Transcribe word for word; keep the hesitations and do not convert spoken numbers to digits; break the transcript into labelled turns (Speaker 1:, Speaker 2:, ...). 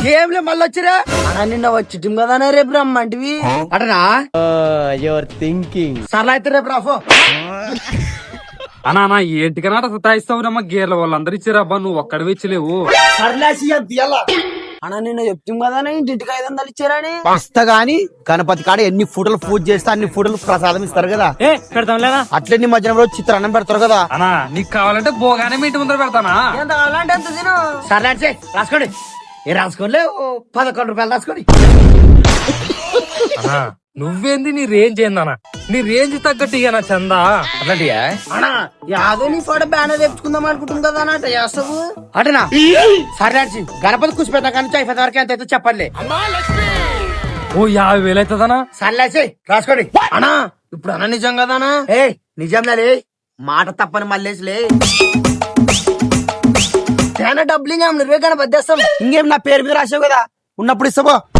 Speaker 1: ఏం లే మళ్ళీ వచ్చిరా అన్నా నిన్న వచ్చి కదా రేపు రమ్మంటివి అటనా
Speaker 2: యువర్ థింకింగ్
Speaker 1: సర్లే అయితే రేపు రాఫో
Speaker 3: అనా నా ఏంటికన్నా సతాయిస్తావురమ్మా గేర్ల వాళ్ళందరూ ఇచ్చారబ్బా నువ్వు ఒక్కడివి ఇచ్చలేవు.
Speaker 1: సర్లేసి అన్నా నిన్న చెప్తాం కదా ఇంటికి ఐదు వందలు ఇచ్చారని
Speaker 2: ఇస్తా గాని గణపతి కాడ ఎన్ని ఫోటోలు పూజ చేస్తే అన్ని ఫోటోలు ప్రసాదం ఇస్తారు కదా.
Speaker 3: ఏ పెడతాం లేదా
Speaker 2: అట్లే నీ మధ్యాహ్నం రోజు చిత్రాన్నం పెడతారు కదా.
Speaker 3: అనా నీకు కావాలంటే బోగానే మీ ఇంటి ముందర పెడతానా.
Speaker 1: ఎంత కావాలంటే ఎంత తిను. సర్లే రాసుకోండి ఏ రాసుకోలే పదకొండు రూపాయలు రాసుకోండి.
Speaker 3: అనా నువ్వేంది నీ రేంజ్ ఏందనా నీ రేంజ్ తగ్గట్టు ఇక నా చందా అట్లాంటియా
Speaker 1: అన్నా యాదో నీ ఫోటో బ్యానర్ తెచ్చుకుందాం అనుకుంటుంది కదా అన్న అట్లా చేస్తావు అటనా సరే గణపతి కూర్చి పెట్టా కానీ అయిపోయిన వరకు ఎంత అయితే చెప్పండి.
Speaker 3: ఓ యాభై వేలు అవుతుందనా.
Speaker 1: సర్లేసి రాసుకోండి అన్నా ఇప్పుడు అన్న నిజం కదానా. ఏ నిజంలే మాట తప్పని మళ్ళేసిలే చాలా డబ్బులు ఇంకా నువ్వే గణపతి తెస్తాం.
Speaker 2: ఇంకేం నా పేరు మీద రాసావు కదా ఉన్నప్పుడు ఇస్తావో.